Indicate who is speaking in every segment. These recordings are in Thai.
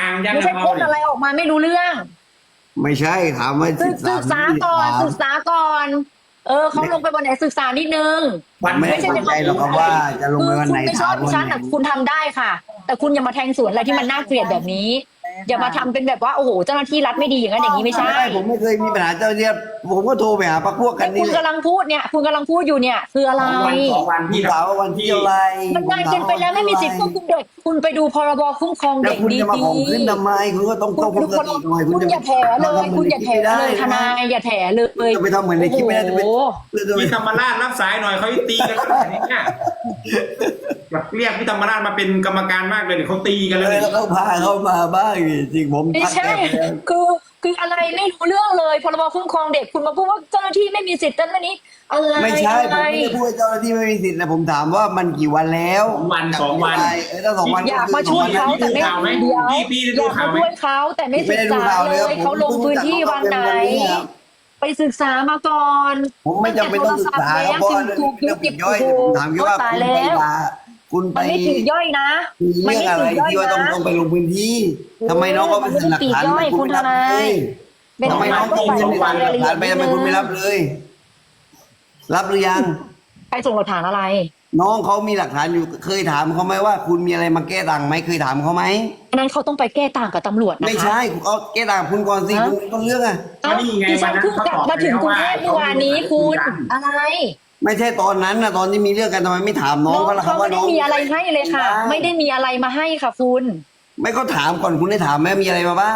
Speaker 1: ยัง
Speaker 2: ไม่ใช่พูดอะไรออกมาไม่รู้เรื่อง
Speaker 3: ไม่ใช่ถามว่า
Speaker 2: ศึกษาก่อนศึกษาก่อนเขาลงไปบนไหนศึกษานิดนึง
Speaker 3: ไม่ได้เข้าใจหรอกครับว่าจะลงไปวันไหน
Speaker 2: คุณไม่ช
Speaker 3: ถา
Speaker 2: อ
Speaker 3: ม
Speaker 2: บดิ
Speaker 3: วัน
Speaker 2: ฉัน
Speaker 3: ไหน
Speaker 2: แต่คุณทำได้ค่ะ แต่คุณอย่ามาแทงสวนอะไรที่มันน่าเกลียดแบบนี้ อย่ามาทำเป็นแบบว่าโอ้โหเจ้าหน้าที่รัฐไม่ดีอย่างนั้นอย่างนี้ไม่ใช่
Speaker 3: ผมไม่เคยมีปัญหาเจ้าเนี่ยผมก็โทรไปหาพรรคพวกกันนี่
Speaker 2: คุณกำลังพูดเนี่ย คุณกำลังพูดอยู่เนี่ย คืออะไร
Speaker 1: 2 วัน
Speaker 3: พี่
Speaker 1: ที่
Speaker 3: ถามว่าวันที่อะไร
Speaker 2: มันนานเกินไปแล้วไม่มีสิทธิ์ควบคุมเด็กคุณไปดูพรบคุ้มครอง
Speaker 3: แล้
Speaker 2: เด็
Speaker 3: ว
Speaker 2: ก
Speaker 3: คุณ
Speaker 2: ดี
Speaker 3: จะมาข่มขืนทำไมคุณก็ต้องควบคุมสติหน่อย
Speaker 2: คุณอย่าแถเลยคุณอย่าแถเลยทนายอย่าแถเลย
Speaker 3: จะไปทำเหมือนในคลิปไม่ได้จะไป
Speaker 2: โอ้โห
Speaker 1: พี่ธรรมราชรับสายหน่อยเขาตีกันแล้วเนี่ยแบบเรียกพี่ธรรมราชมาเป็นกรรมการมากเลยเดี๋ยวเขาตีกัน
Speaker 3: เล
Speaker 1: เลย ย
Speaker 3: แล้วก็พาเข้ามาบ้างจริงผม
Speaker 2: ไม่
Speaker 3: ทัก
Speaker 2: ใช่
Speaker 3: แกไปแล้ว
Speaker 2: คืออะไรไม่รู้เรื่องเลยพรบคุ้มครองเด็กคุณมาพูดว่าเจ้าหน้าที่ไม่มีสิทธิ์นั้นนี้อะไร
Speaker 3: ไม่ใช่ผม
Speaker 2: อะไร
Speaker 3: ไม่ได้พูดให้เจ้าหน้าที่ไม่มีสิทธิ์นะผมถามว่ามันกี่วันแล้ว
Speaker 1: 2 วัน
Speaker 3: ถ้า2 วัน
Speaker 2: อยากมาช่วยเขาแต่ไม่
Speaker 1: ข่าวไหม
Speaker 2: เดียว
Speaker 1: พี่ได้
Speaker 2: อ
Speaker 1: ดู
Speaker 2: ยาก
Speaker 1: ข่าว
Speaker 2: มา
Speaker 1: ไหม
Speaker 2: ช่วยเขาแต่ไม่ศึกษาเลยเขาลงพื้นที่วันไหน ไปศึกษามาก่อน
Speaker 3: ผมไม่จำเป็นต้องศึกษาครับเพราะเรื่องปลีกย่อยผมถามแค่ว่าคุณไปลาคุณไป
Speaker 2: มันไม่ถึงย่อยนะ
Speaker 3: มีเรื่องอะไรที่ว่าต้องไปลงพื้นที่ทำไมน้องก็ไม่เซ็นหลักฐานไม่คุณไม่รับเลยทำไมน้องต้องเซ็นหลักฐานไปทำไมคุณไม่รับเลย รับหรือยัง
Speaker 2: ไปส่งหลักฐานอะไร
Speaker 3: น้องเขามีหลักฐานอยู่เคยถามเขาไหมว่าคุณมีอะไรมาแก้ต่างไหมเคยถามเขาไหม
Speaker 2: อันนั้นเขาต้องไปแก้ต่างกับตำรวจนะคะ
Speaker 3: ไม่ใช่เขาแก้ต่างคุณก่อนสิคุณต้นเรื่องอะ
Speaker 2: เอ้าดิฉันเพิ่งกลับมาถึงกรุงเทพเมื่อวานนี้คุณอะไร
Speaker 3: ไม่ใช่ตอนนั้นนะตอนที่มีเรื่องกันทำไมไม่ถามน้องเขาล่ะครั
Speaker 2: เขา
Speaker 3: บ
Speaker 2: ไม่
Speaker 3: ว่าน้
Speaker 2: ได้
Speaker 3: อง
Speaker 2: มีอะไรให้เลยค่ะ ไม่ได้มีอะไรมาให้ค่ะคุณ
Speaker 3: ไม่ก็ถามก่อนคุณได้ถามไหมมีอะไรมาบ้าง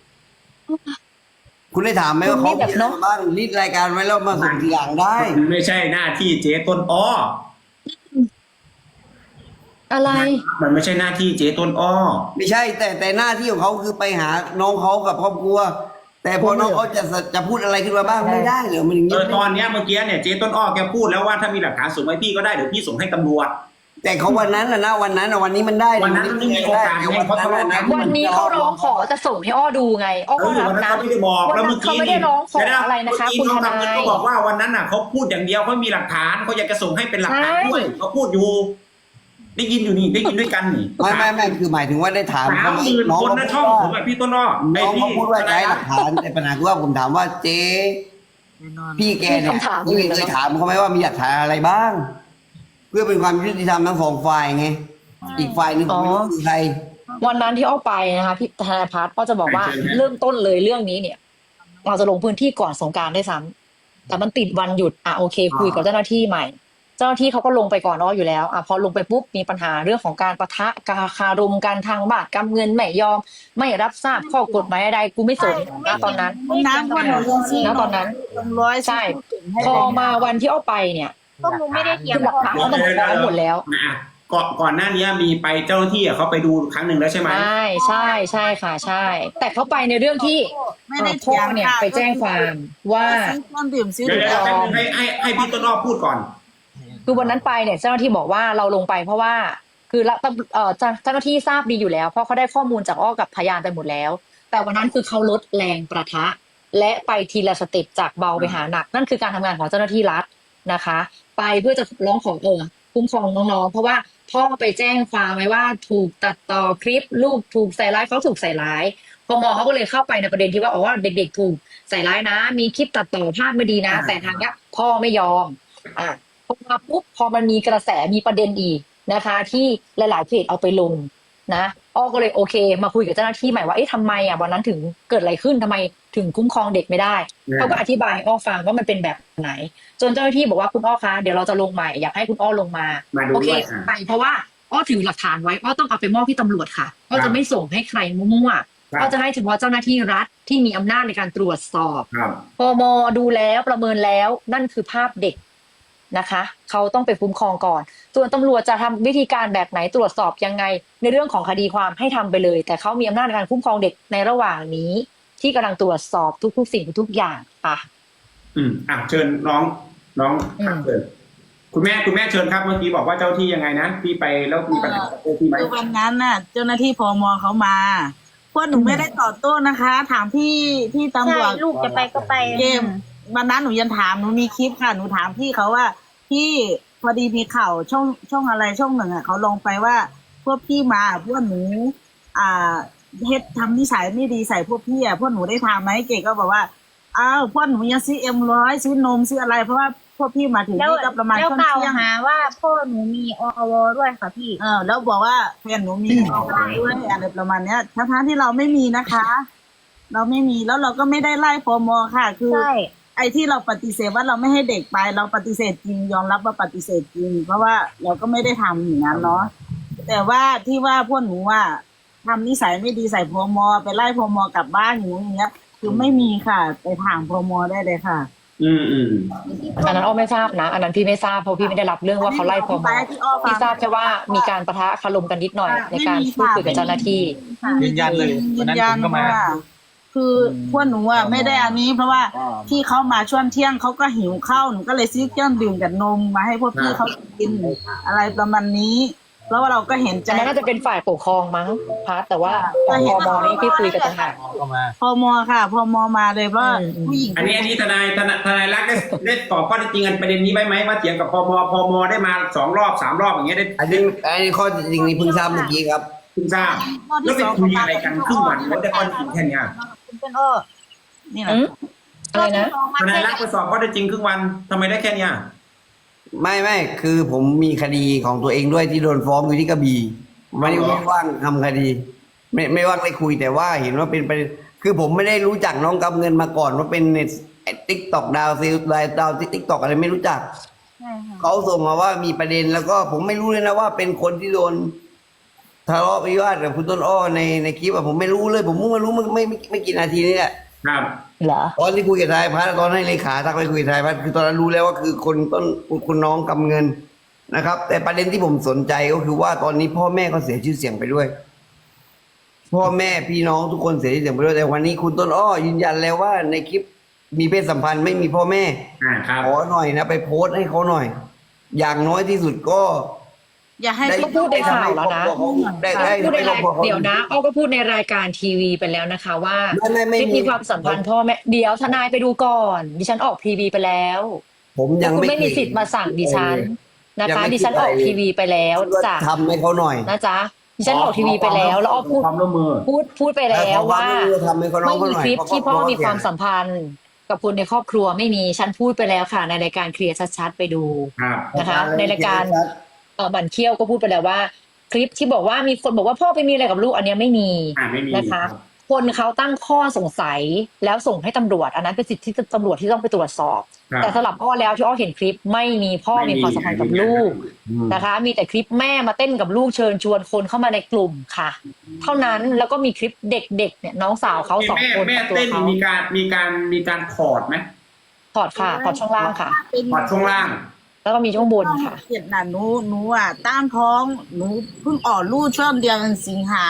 Speaker 3: คุณได้ถามไหมว่าเขามีอะไรมาบ้างรีดรายการไว้แล้วมาส่งทีหลังได้
Speaker 1: มันไม่ใช่หน้าที่เจ๊ต้นอ้อ
Speaker 2: อะไร
Speaker 1: มันไม่ใช่หน้าที่เจ๊ต้นอ้อ
Speaker 3: ไม่ใช่แต่หน้าที่ของเขาคือไปหาน้องเขากับครอบครัว แต่พอน้องเขาจะพูดอะไรขึ้นมาบ้างไม่ได้เหรอมันอย่างนี้
Speaker 1: ตอนเนี้ยเมื่อกี้เนี่ยเจ๊ต้นอ้อแกพูดแล้วว่าถ้ามีหลักฐานส่งให้พี่ก็ได้เดี๋ยวพี่ส่งให้ตำรวจ
Speaker 3: แต่เขาวันนั้นนะวันนั้นวันนี้มันได้
Speaker 1: วันนั้นมันไม่มีโอกาสไงเพราะทะเลาะกัน
Speaker 2: วันนี้เขาร้องขอจะส่งให้อ้อดูไงอ้อก็รับ
Speaker 1: วันนั้น
Speaker 2: นะ
Speaker 1: เขาไม่ได้บอก
Speaker 2: วัน
Speaker 1: แล้ว
Speaker 2: นั้
Speaker 1: เมื่
Speaker 2: น
Speaker 1: อ
Speaker 2: เขา
Speaker 1: กี้
Speaker 2: ไม่ได้ร้องขออะไรนะคะ คุณทนาย
Speaker 1: เขาบอกว่าวันนั้นน่ะเขาพูดอย่างเดียวเขามีหลักฐานเขาอยากจะส่งให้เป็นหลักฐานด้วยเขาพูดอยู่ ได้ยินอยู่นี่ได้ยินด้วยกันนี่
Speaker 3: ไม่คือหมายถึงว่าได้ถามเขาไหม
Speaker 1: 30,000 คนนะช่องผมแบบพี่ต้นอ้อ
Speaker 3: น้องเขาพูดว่าใช้หลักฐานแต่ปัญหาคือว่าผมถามว่าเจ๊พี่แกเนี่ยพี่เคยถามเขาไหมว่ามีหลักฐานอะไรบ้าง เพื่อเป็นความยุติธรรมทั้งสองฝ่ายไงอีกฝ่ายหนึ่งผมไม่รู้คือใคร
Speaker 2: วันนั้นที่อ้อไปนะคะพี่ธนายพัฒน์อ้อจะบอกว่าเริ่มต้นเลยเรื่องนี้เนี่ย เราจะลงพื้นที่ก่อนสงกรานต์ได้วยซ้ำแต่มันติดวันหยุดโอเค คุยกับเจ้าหน้าที่ใหม่ เจ้าหน้าที่เขาก็ลงไปก่อนอ้ออยู่แล้วพอลงไปปุ๊บมีปัญหาเรื่องของการปะทะการคารมกันทางบาทกำเงินไม่ยอม ไม่รับทราบข้อกฎหมายใดกูไม่สนนะตอนนั้น
Speaker 4: น้ำคนหนูยังซี
Speaker 2: นะตอนนั้น
Speaker 4: ร้อย
Speaker 2: ใช่พอมาวันที่อ้อไปเนี่ย
Speaker 4: พวกหนูไม่ได้เถียง
Speaker 2: คือหลักฐานมันพร้อมหมดแล้ว
Speaker 1: ก่อนหน้านี้มีไปเจ้าหน้าที่เขาไปดูครั้งหนึ่งแล้วใช่ไหม
Speaker 2: ใช่ค่ะใช่ แต่เขาไปในเรื่องที่
Speaker 4: ไม่ได้
Speaker 2: พ่
Speaker 4: เถีย
Speaker 2: อง เนี่ยไปแจ้งความว่า
Speaker 4: ซื้อเครื่องดื่มซื้อ
Speaker 1: เดี๋ยวให้พี่ต้นอ้อพูดก่อน
Speaker 2: คือวันนั้นไปเนี่ยเจ้าหน้าที่บอกว่าเราลงไปเพราะว่าคือเจ้าหน้าที่ทราบดีอยู่แล้วเพราะเขาได้ข้อมูลจากอ้อกับพยานไปหมดแล้ว แต่วันนั้นคือเขาลดแรงประทะ และไปทีละสเต็ปจากเบาไปหาหนัก นั่นคือการทำงานของเจ้าหน้าที่รัฐนะคะ ไปเพื่อจะร้องขอคุ้มครองน้องๆเพราะว่าพ่อไปแจ้งความไว้ว่าถูกตัดต่อคลิปลูกถูกใส่ร้ายเขาถูกใส่ร้ายพมเขาก็เลยเข้าไปในประเด็นที่ว่าเด็กๆถูกใส่ร้ายนะ มีคลิปตัดต่อภาพไม่ดีนะ แต่ทางเนี้ยพ่อไม่ยอมพอมาปุ๊บพอมันมีกระแสมีประเด็นอีกนะคะ ที่หลายๆเพจเอาไปลงนะอ้อก็เลยโอเค มาคุยกับเจ้าหน้าที่ใหม่ว่าทำไมวันนั้นถึงเกิดอะไรขึ้นทำไมถึงคุ้มครองเด็กไม่ได้เขาก็อธิบายให้อ้อฟังว่ามันเป็นแบบไหน จนเจ้าหน้าที่บอกว่าคุณอ้อคะเดี๋ยวเราจะลงใหม่อยากให้คุณอ้อลงมาโอเคไปเพราะว่าอ้อถือหลักฐานไว้อ้อต้องเอาไปมอบที่ตำรวจค่ะอ้อจะไม่ส่งให้ใครมั่วๆอ้อจะให้เฉพาะเจ้าหน้าที่รัฐที่มีอำนาจในการตรวจสอบพมดูแล้วประเมินแล้วนั่นคือภาพเด็กนะคะเขาต้องไปคุ้มครองก่อนส่วนตำรวจจะทำวิธีการแบบไหนตรวจสอบยังไงในเรื่องของคดีความให้ทำไปเลย แต่เขามีอำนาจในการคุ้มครองเด็กในระหว่างนี้ที่กำลังตรวจสอบทุกๆสิ่งทุกอย่างค่ะ
Speaker 1: เชิญน้องเชิญคุณแม่เชิญครับเมื่อกี้บอกว่าเจ้าที่ยังไงนะพี่ไปแล้วมีปัญหาเจ้าที่ไหม
Speaker 4: คือวันนั้นน่ะ เจ้าหน้าที่พมเขามาพวกหนูไม่ได้ตอบโต้นะคะ ถามที่ตำรวจ
Speaker 5: ลูกจะไปก็ไป
Speaker 4: เกมวันนั้นหนูยังถามหนูมีคลิปค่ะหนูถามพี่เขาว่าพี่พอดีมีข่าวช่องอะไรช่องหนึ่งเขาลงไปว่าพวกพี่มาพวกหนูเฮ็ดทำนิสัยไม่ดีใส่พวกพี่อ่ะพวกหนูได้ทำไหมเก๋ก็บอกว่าอ้าวพวกหนูยังซื้อM100ซื้อนมซื้ออะไรเพราะว่าพวกพี่มาถึง
Speaker 5: แล้ว
Speaker 4: นี่ก็ประมาณ
Speaker 5: แล้ว
Speaker 4: ช่วง
Speaker 5: กล่าว
Speaker 4: เที่ยง
Speaker 5: หาว่าพ่อหนูมีอวด้วยค่ะพี่
Speaker 4: แล้วบอกว่าแฟนหนูมีออกด้วยอะไรประมาณเนี้ยทั้งๆที่เราไม่มีนะคะ เราไม่มีแล้วเราก็ไม่ได้ไล่พมค่ะ คือ
Speaker 5: ใช่
Speaker 4: ไอ้ที่เราปฏิเสธว่าเราไม่ให้เด็กไปเราปฏิเสธจริงยอมรับว่าปฏิเสธจริง เพราะว่าเราก็ไม่ได้ทำอย่างนั้นเนาะแต่ว่าที่ว่าพวกหนูว่าทำนิสัยไม่ดีใส่พมไปไล่พมกลับบ้านอย่างเงี้ย คือไม่มีค่ะ ไปถามพมได้เลยค่ะ
Speaker 1: อืม
Speaker 2: อันนั้นอ้อไม่ทราบนะ อันนั้นพี่ไม่ทราบเพราะพี่ไม่ได้รับเรื่องว่าเขาไล่พม
Speaker 4: ที่อ้อฟัง
Speaker 2: พี่ทราบแค่ว่ามีการปะทะคารมกันนิดหน่อยในการพูดคุยกับเจ้าหน้าที่
Speaker 6: ยืนยันเลย
Speaker 4: ยื
Speaker 6: วัน
Speaker 4: น
Speaker 6: นั้น
Speaker 4: ยั
Speaker 6: ผ
Speaker 4: น
Speaker 6: มก็มา
Speaker 4: ว่าคือพวกหนูอ่ะไม่ได้อันนี้ เพราะว่าที่เขามาช่วงเที่ยงเขาก็หิวข้าวหนูก็เลยซื้อเครื่องดื่มกับนมมาให้พวกพี่เขากินอะไรประมาณนี้ แล้วเราก็เห็นใจ
Speaker 2: อันนั้นน่าจะเป็นฝ่ายปกครองมั้งพัดแต่ว่าของพมนี่พี่คุยกับต่างหาก
Speaker 6: ก็มา
Speaker 4: พมค่ะพมมาเลยเพราะว่า
Speaker 2: อืม
Speaker 4: ผู้หญิง
Speaker 1: อันนี้ทนายรักได้ตอบข้อเท็จจริงกันประเด็นนี้ไว้ไหมว่าเถียงกับพมได้มา2 รอบ 3 รอบอย่างเงี้ยได้
Speaker 3: อันนี้ข้อจริงนี่เพิ่งทราบเมื่อกี้ครับ
Speaker 1: คุณทราบแล้วไปคุยอะไรกันครึ่งวันแล้วได้ข้อเท็จจริงแค่เนี้ย
Speaker 5: คุณเป็นอ้อ
Speaker 4: นี่แหละ
Speaker 2: อืมอะไรนะ
Speaker 1: ทนายรักไปสอบข้อเท็จจริงครึ่งวันทำไมได้แค่เนี้ย
Speaker 3: ไม่คือผมมีคดีของตัวเองด้วยที่โดนฟ้องอยู่ที่กระบี่ไม่ว่างทำคดี ไม่ว่างได้คุยแต่ว่าเห็นว่าเป็นประเด็นคือผมไม่ได้รู้จักน้องกำเงินมาก่อนว่าเป็นในติ๊กตอกดาวซิลดาวติ๊กตอกอะไรไม่รู้จัก
Speaker 5: ใช่ค่ะ
Speaker 3: เขาส่งมาว่ามีประเด็นแล้วก็ผมไม่รู้เลยนะว่าเป็นคนที่โดนทะเลาะวิวาทกับคุณต้นอ้อในคลิปอะผมไม่รู้เลย ผมเพิ่งมารู้ไม่กี่นาทีนี่แหละ
Speaker 1: ครับ
Speaker 2: เหรอ
Speaker 3: ตอนที่คุยกับทายพัฒน์ตอนให้เลขาทักไปคุยกับทายพัฒน์คือตอนนั้นรู้แล้วว่าคือคนต้นคุณน้องกำเงินนะครับ แต่ประเด็นที่ผมสนใจก็คือว่าตอนนี้พ่อแม่ก็เสียชื่อเสียงไปด้วย พ่อแม่พี่น้องทุกคนเสียชื่อเสียงไปด้วยแต่วันนี้คุณต้นอ้อยืนยันแล้วว่าในคลิปมีเพศสัมพันธ์ไม่มีพ่อแม่
Speaker 1: ครับ
Speaker 3: ขอหน่อยนะไปโพสต์ให้เขาหน่อย อย่างน้อยที่สุดก็
Speaker 4: อย่าให้
Speaker 2: ก็พูดในข่าวแล้วนะ
Speaker 3: ได้
Speaker 2: พูดใน
Speaker 3: คร
Speaker 2: รา
Speaker 3: อบ
Speaker 2: ย
Speaker 3: ครัวเขา
Speaker 2: เดี๋ยวนะอ้อก็พูดในรายการทีวีไปแล้วนะคะว่า
Speaker 3: ไม่
Speaker 2: ไม่มีความสัมพันธ์พ่อแม่เดี๋ยวทนายไปดูก่อน ดิฉันออกทีวีไปแล้ว
Speaker 3: ผมยัง
Speaker 2: คุณ
Speaker 3: ไม่
Speaker 2: ไม่มีสิทธิ์มาสั่งดิฉันนะ
Speaker 3: ยัง
Speaker 2: คะ
Speaker 3: ไม่
Speaker 2: ดิฉันออกทีวีไปแล้วจ้ะ
Speaker 3: ทำให้เขาหน่อย
Speaker 2: นะจ๊ะดิฉันออกทีวีไปแล้วแล้วอ้อพูด
Speaker 1: ความร่วมมือ
Speaker 2: พูดไปแล้วว่า
Speaker 3: ทำให้เขาน้อ
Speaker 2: ไม่
Speaker 3: งเขา
Speaker 2: มี
Speaker 3: หน่อย
Speaker 2: คลิปที่พ่อมีความ
Speaker 3: สั
Speaker 2: สัมพันธ์กับคนในครอบครัวไม่มีฉันพูดไปแล้วค่ะในรายการเคลียร์ชัดๆไปดู
Speaker 1: ครับ
Speaker 2: นะคะ ในรายการบันเคี้ยวก็พูดไปแล้วว่า คลิปที่บอกว่ามีคนบอกว่าพ่อไปมีอะไรกับลูกอันเนี้ยไม่มี
Speaker 1: ไม่มี
Speaker 2: นะคะ คนเขาตั้งข้อสงสัยแล้วส่งให้ตำรวจ อันนั้นเป็นสิทธิที่ตำรวจที่ต้องไปตรวจสอบ
Speaker 1: ครับ
Speaker 2: แต่สำหรับอ้อแล้วที่อ้อเห็นคลิปไม่มีพ่อมีความสัมพันธ์กับลูกนะคะ มีแต่คลิปแม่มาเต้นกับลูกเชิญชวนคนเข้ามาในกลุ่มค่ะ เท่านั้นแล้วก็มีคลิปเด็กๆเนี่ยน้องสาวเขา2 คน
Speaker 1: แม่
Speaker 2: กับตัว
Speaker 1: เต้น
Speaker 2: เขา
Speaker 1: มีการถอดไหม
Speaker 2: ถอดค่ะถอดช่องล่างค่ะ
Speaker 1: ถอดช่วงล่าง
Speaker 2: แล้วก็มีช่วงบนค่ะ
Speaker 4: เจ็ดน่ะหนูอ่ะตั้งท้องหนูเพิ่งออกลูกช่วงเดือนสิงหา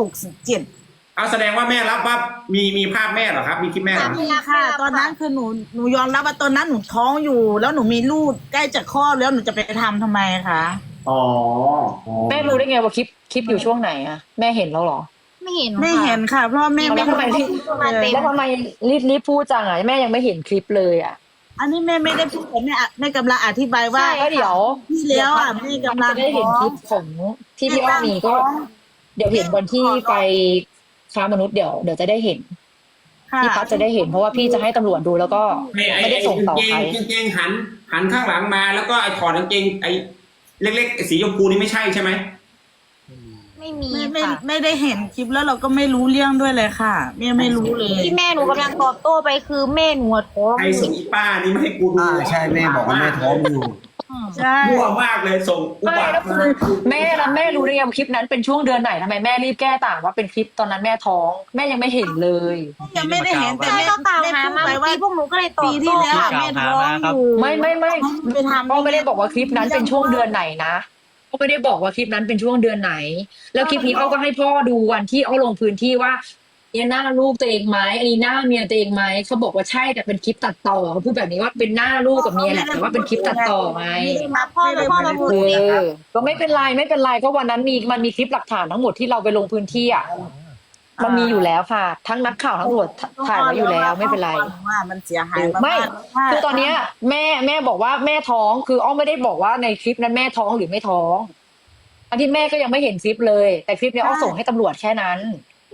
Speaker 4: 67
Speaker 1: เอาแสดงว่าแม่รับว่ามีภาพแม่เหรอครับ มีคลิปแม่เหรอ
Speaker 4: มีค่ะ ตอนนั้นคือหนูยอมรับว่าตอนนั้นหนูท้องอยู่ แล้วหนูมีลูกใกล้จะคลอดแล้วหนูจะไปทำไมคะ
Speaker 1: อ๋อ
Speaker 2: แม่รู้ได้ไงว่าคลิปอยู่ช่วงไหนอะแม่เห็นแล้วเหรอ
Speaker 5: ไม่เห็น
Speaker 4: ไม่เห็นค่ะ เพราะแม่
Speaker 2: แล้วทำไมรีบ
Speaker 5: มาเต็ม
Speaker 2: แล้วทำไมรีบพูดจังอะแม่ยังไม่เห็นคลิปเลยอะ
Speaker 4: อันนี้แม่ไม่ได้พูดแต่แม่กำลังอธิบายว่า
Speaker 2: ก็เดี๋ยว
Speaker 4: ที่แล้วอ่ะแม่กำลัง
Speaker 2: จะได้เห็นคลิปของที่พี่อ้อมีก็ เดี๋ยวเห็นวันที่ไปค้ามนุษย์เดี๋ยวจะได้เห็น
Speaker 4: ค่ะ
Speaker 2: พี่พัดจะได้เห็นเพราะว่าพี่จะให้ตำรวจดูแล้วก็ไม่ได้ส่งต่อใคร
Speaker 1: กางเกงหันข้างหลังมาแล้วก็ไอ้ถอดกางเกงไอ้เล็กๆสีชมพูนี่ไม่ใช่ใช่ไหม
Speaker 5: ไม่มี
Speaker 4: ไม่
Speaker 5: ค่ะ
Speaker 4: ไม่ได้เห็นคลิปแล้วเราก็ไม่รู้เรื่องด้วยเลยค่ะแม่ไม่รู้เลย
Speaker 5: ที่แม่หนูกำลังตอบโต้ไปคือแม่หนูท้อง
Speaker 1: ไอ้ส่งอีป้านี่ไม่ให้กูดู
Speaker 3: ใช่แม่บอกว่าแม่ท้องอยู่
Speaker 4: ใช่
Speaker 1: มั่วมากเลยส่งอุ
Speaker 2: ไม่
Speaker 1: บัติ
Speaker 2: แล้วคือแม่รู้ได้ไงว่าคลิปนั้นเป็นช่วงเดือนไหนทำไมแม่รีบแก้ต่างว่าเป็นคลิปตอนนั้นแม่ท้องแม่ยังไม่เห็นเลย
Speaker 4: ยังไม่ได้เห็นแต่
Speaker 5: ใช่
Speaker 4: แม่
Speaker 5: ก็กล่าว
Speaker 4: แม่
Speaker 5: หา
Speaker 4: พูด
Speaker 5: มา
Speaker 4: ไป
Speaker 5: เมื่อ
Speaker 4: ว่า
Speaker 5: กี้พวกหนูก็เลยตอบ
Speaker 4: ปีที่
Speaker 5: โต้
Speaker 4: แล้วอะแม่ท้องอยู่
Speaker 2: ไม่
Speaker 4: ไปทำ
Speaker 2: พ่อไม่ได้บอกว่าคลิปนั้นเป็นช่วงเดือนไหนนะพ่อไม่ได้บอกว่าคลิปนั้นเป็นช่วงเดือนไหน แล้วคลิปนี้เขาก็ให้พ่อดูวันที่เขาลงพื้นที่ว่าเนี่ยหน้าลูกตัวเองไหมอันนี้หน้าเมียตัวเองไหมเขาบอกว่าใช่แต่เป็นคลิปตัดต่อเขาพูดแบบนี้ว่าเป็นหน้าลูกกับเมียแหละแต่ว่าเป็นคลิปตัดต่อไง
Speaker 5: พ่อมาพูด
Speaker 2: ก็ไม่เป็นไรก็วันนั้นมันมีคลิปหลักฐานทั้งหมดที่เราไปลงพื้นที่อ่ะมันมีอยู่แล้วค่ะ ทั้งนักข่าวทั้งตำรวจถ่ายไว้อยู่แล้วไม่เป็นไร
Speaker 4: ว่ามันเสียหายมาก
Speaker 2: ไม่ คือตอนเนี้ยแม่บอกว่าแม่ท้องคืออ้อมไม่ได้บอกว่าในคลิปนั้นแม่ท้องหรือไม่ท้องอันที่แม่ก็ยังไม่เห็นคลิปเลย แต่คลิปเนี้ยอ้อส่งให้ตำรวจแค่นั้น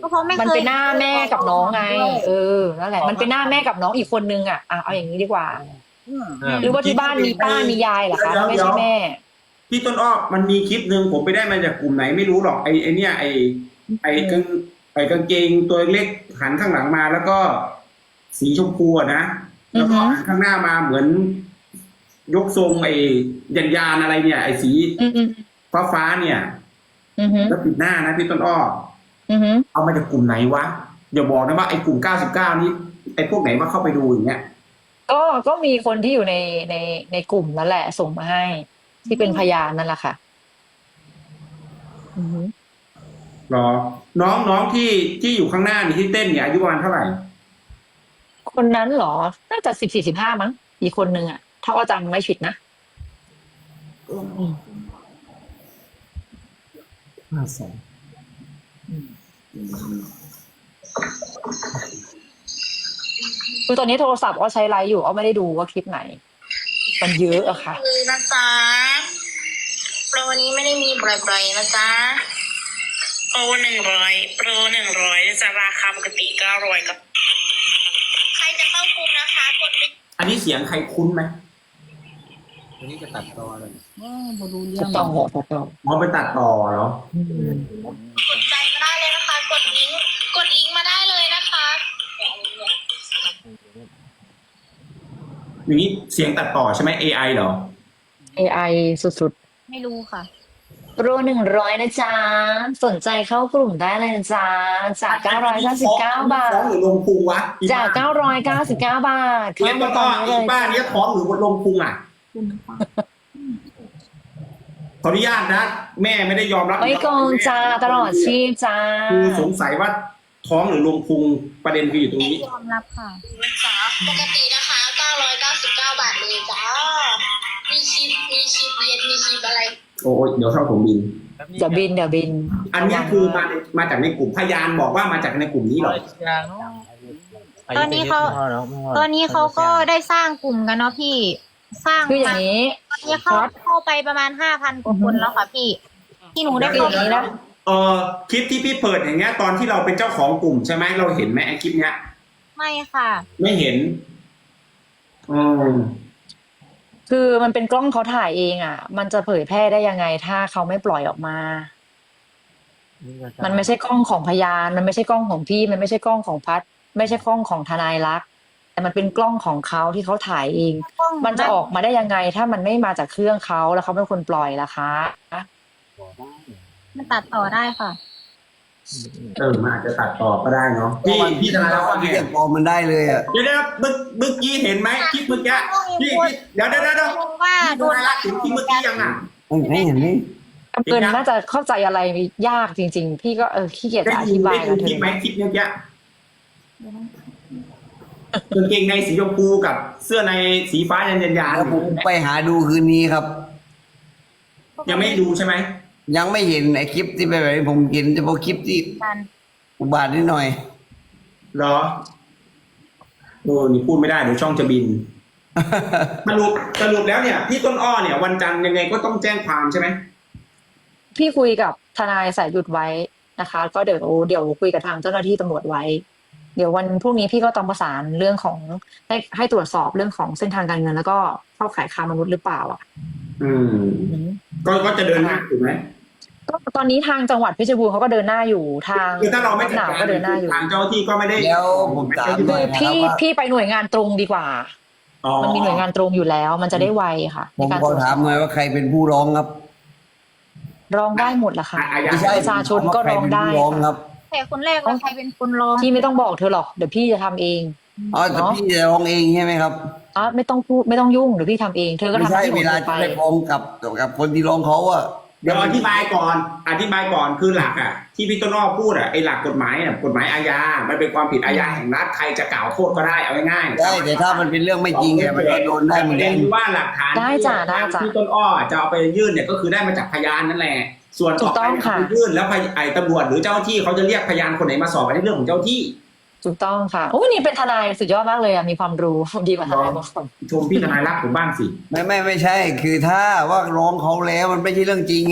Speaker 5: ก็เพราะไม่เคย
Speaker 2: มันเป็นหน้าแม่กับน้องไง นั่นแหละ มันเป็นหน้าแม่กับน้องอีกคนนึงอ่ะเอาอย่างนี้ดีกว่า หรือว่าที่บ้านมีป้ามียายเหรอคะไม่ใช่แม่
Speaker 1: พี่ต้นอ้อมันมีคลิปหนึ่งผมไปได้มาจากกลุ่มไหนไม่รู้หรอกไอ้เนี่ยไอ้กางเกงตัวเล็กหันข้างหลังมาแล้วก็สีชมพูอะนะแล้วก็หันข้างหน้ามาเหมือน ยกทรงไอ้ยานอะไรเนี่ย ไอ้สี ฟ้าเนี่ยแล้วปิดหน้านะพี่ต้นอ้อเอามาจากกลุ่มไหนวะอย่าบอกนะว่าไอ้กลุ่ม99นี้ไอ้พวกไหนว่าเข้าไปดูอย่างเงี้ย
Speaker 2: ก็มีคนที่อยู่ในกลุ่มนั่นแหละส่งมาให้ ที่เป็นพยานนั่นแหละค่ะ
Speaker 1: หรอน้องที่อยู่ข้างหน้านี่ที่เต้นเนี่ยอายุประมาณเท่าไหร่
Speaker 2: คนนั้นเหรอ น่าจะ14-15มั้งอีกคนนึงอ่ะถ้าว่าจำไม่ผิดนะคือตอนนี้โทรศัพท์อ้อใช้ไลฟ์อยู่อ้อไม่ได้ดูว่าคลิปไหน มันเยอะอะค่ะ
Speaker 6: คือนะจ๊ะโปรนี้ไม่ได้มีบ่อยๆนะจ๊ะโปร100นะจ๊ะราคาปกติ900กับใครจะเข้ากลุ่มนะคะกดลิงก์
Speaker 1: อันนี้เสียงใครคุ้นไหม
Speaker 3: วันนี้จะตัดต่อเลย
Speaker 4: บ่รู้เรื่
Speaker 2: ถู
Speaker 4: อง
Speaker 2: กต้องถูกต้อง
Speaker 1: อ๋อไปตัดต่อเหรอ
Speaker 6: กดใจมาได้เลยนะคะกดลิงก์มาได้เลยนะคะ
Speaker 1: อย่างนี้เสียงตัดต่อใช่ไหม AI เหรอ
Speaker 2: AI สุด
Speaker 5: ไม่รู้ค่ะ
Speaker 2: ๆโปร100นะจ๊ะสนใจเข้ากลุ่มได้เลยนะจ๊ะจาก999 บาท
Speaker 1: ท้องหรือลงพุงวะ
Speaker 2: จาก999 บาท
Speaker 1: เนี้ย
Speaker 2: เข้า
Speaker 1: ต้
Speaker 2: มาน ต
Speaker 1: อ้
Speaker 2: อ
Speaker 1: อน
Speaker 2: นี้เลย
Speaker 1: ป้าเนี้ยท้องหรือลงพุงอ่ะขออนุญาตนะ แม่ไม่ได้ยอมรับ
Speaker 2: ไม่โกงจ้าตลอดชีพจ้า
Speaker 1: คือสงสัยว่าท้องหรือลงพุงประเด็นคืออยู่ตรง
Speaker 5: ไม่
Speaker 1: นี้
Speaker 5: ยอมรับค่ะ
Speaker 6: จ๊ะปกตินะคะ999 บาทเลยจ้ามีชิปเย็นมีชิปอะไร
Speaker 1: โอ้ยเดี๋ยวเข้าผมบิน
Speaker 2: เดี๋ยวบิน
Speaker 1: อันเนี้ยคือมาจากในกลุ่มพยานบอกว่ามาจากในกลุ่มนี้เหรอ
Speaker 5: ตอนนี้เขาก็ได้สร้างกลุ่มกันเนาะพี่ สร้าง
Speaker 2: คืออย่างนี้
Speaker 5: ตอนนี้เข้าไปประมาณ5,000 กว่าคนแล้วค่ะพี่ ที่หนูได้
Speaker 2: คืออ
Speaker 5: เข้า
Speaker 2: ย่างนี้นะ
Speaker 1: คลิปที่พี่เปิดอย่างเงี้ยตอนที่เราเป็นเจ้าของกลุ่มใช่ไหมเราเห็นไหมไอ้คลิปเนี้ย
Speaker 5: ไม่ค่ะ
Speaker 1: ไม่เห็นอืม
Speaker 2: คือมันเป็นกล้องเขาถ่ายเองอ่ะ มันจะเผยแพร่ได้ยังไงถ้าเขาไม่ปล่อยออกมา มันไม่ใช่กล้องของพยาน มันไม่ใช่กล้องของพี่ มันไม่ใช่กล้องของพัด ไม่ใช่กล้องของทนายรัก แต่มันเป็นกล้องของเขาที่เขาถ่ายเอง มันจะออกมาได้ยังไง ถ้ามันไม่มาจากเครื่องเขาแล้วเขาเป็นคนปล่อยล่ะคะ
Speaker 5: มันตัดต่อได้ค่ะ
Speaker 1: มันอาจจะตัดต่อก็ได้เนาะพี่ธนารักษ์ว่าไง
Speaker 3: เรียกปลอมมันได้เลยอ่ะ
Speaker 1: เดี๋ยวเมื่อกี้เห็นไหมคลิปเมื่อกี้พี่เดี๋ยว
Speaker 5: ว่า
Speaker 1: พี่
Speaker 5: โด
Speaker 1: ธ
Speaker 5: น
Speaker 1: นารักษ์เห็นคลิปเมื่อกี้ยังอ่ะ
Speaker 3: ไม่เห็นไหม
Speaker 2: เอิญน่าจะเข้าใจอะไรยากจริง ๆ พี่ก็ขี้เกียจจะอธิบาย
Speaker 1: ได้ดู
Speaker 2: นะเธ
Speaker 1: คลิปไหม
Speaker 2: อ
Speaker 1: คลิปเมื่อกี้กางเกงในสีชมพูกับเสื้อในสีฟ้ายัน
Speaker 3: แล้วผมไปหาดูคืนนี้ครับ
Speaker 1: ยังไม่ดูใช่ไหม
Speaker 3: ยังไม่เห็นไอ้คลิปที่ไปแบบนี้ผมเห็นเฉพาะคลิปที่
Speaker 5: กัน
Speaker 3: อุบาทนิดหน่อย
Speaker 1: เหรอโอ้นี่พูดไม่ได้เดี๋ยวช่องจะบินสรุปแล้วเนี่ยพี่ต้นอ้อเนี่ยวันจันทร์ยังไงก็ต้องแจ้งความใช่ไหม
Speaker 2: พี่คุยกับทนายสายหยุดไว้นะคะ ก็เดี๋ยวคุยกับทางเจ้าหน้าที่ตำรวจไว้ เดี๋ยววันพรุ่งนี้พี่ก็ต้องประสานเรื่องของให้ตรวจสอบเรื่องของเส้นทางการเงิน แล้วก็เข้าขายค้ามนุษย์หรือเปล่าอ่ะ
Speaker 1: ก็จะเดินหน้าถูกไหม
Speaker 2: ก็ตอนนี้ทางจังหวัดเพชรบูรณ์เขาก็เดินหน้าอยู่ทาง
Speaker 1: คือถ้าเราไม่จัด
Speaker 2: หนาว
Speaker 1: การ
Speaker 2: ก็เดินหน้าอยู่
Speaker 1: ทางเจ้าหน้าที่ก็ไม่ได้
Speaker 3: แล้วผมถาม
Speaker 2: คื
Speaker 3: หน่
Speaker 2: อ
Speaker 3: อยนะค
Speaker 2: พี่
Speaker 3: รับว่า
Speaker 2: พี่ไปหน่วยงานตรงดีกว่า มันมีหน่วยงานตรงอยู่แล้ว มันจะได้ไวค่ะ
Speaker 3: ผม
Speaker 2: ในการ
Speaker 3: ขอ
Speaker 2: ตรวจส
Speaker 3: ถา
Speaker 2: อ
Speaker 3: ม
Speaker 2: บ
Speaker 3: หน่อยว่าใครเป็นผู้ร้องครับ
Speaker 2: ร้องได้หมดละค่ะ
Speaker 3: ไม่ใช่
Speaker 2: ประชาชนก็ร้องได้
Speaker 3: ใครเป็นผู้ร้องค
Speaker 2: ค่ะ
Speaker 3: รับ
Speaker 5: แต่คนแรกว่าใครเป็นคนร้อง
Speaker 2: พี่ไม่ต้องบอกเธอหรอกเดี๋ยวพี่จะทำเอง
Speaker 3: อ๋อแต่พี่จะร้องเองใช่ไหมครับ
Speaker 2: ไม่ต้องพูดไม่ต้องยุ่งเดี๋ยวพี่ทำเองเธอก็
Speaker 3: ไม่
Speaker 2: ทำห
Speaker 3: ใช่
Speaker 2: น้าที่ข
Speaker 3: เว
Speaker 2: อง
Speaker 3: ลา
Speaker 2: เธอไป
Speaker 3: จะไปฟ้องกับคนที่ร้องเขาอะ
Speaker 1: เดี๋ยวอธิบายก่อนคือหลักอ่ะที่พี่ต้นอ้อพูดอ่ะไอ้หลักกฎหมายอ่ะกฎหมายอาญามันเป็นความผิดอาญาแห่งรัฐใครจะกล่าวโทษก็ได้เอาง่ายๆ
Speaker 3: ได้แต่ถ้ามันเป็นเรื่องไม่จริงเนี่ยมันก็โดนได้เหมือน
Speaker 1: เรี
Speaker 3: กั
Speaker 1: ย
Speaker 3: น
Speaker 1: นว่าหลักฐาน
Speaker 2: ได้จ้ะได้จ้ะ
Speaker 1: ที่ต้นอ้อจะเอาไปยื่นเนี่ยก็คือได้มาจากพยานนั่นแหละส่วน
Speaker 2: ถูกต้องค่ะ
Speaker 1: ไปยื่นแล้วไอ้ตำรวจหรือเจ้าหน้าที่เขาจะเรียกพยานคนไหนมาสอบอันนี้เรื่องของเจ้าที่
Speaker 2: ถูกต้องค่ะโอ้นี่เป็นทนายสุดยอดมากเลยอ่ะมีความรู้ดีกว่าทนายบางคน
Speaker 1: ชมพี่ทนายรักผมบ้างสิ
Speaker 3: ไม่ใช่ คือถ้าว่าร้องเขาแล้วมันไม่ใช่เรื่องจริงอ่ะ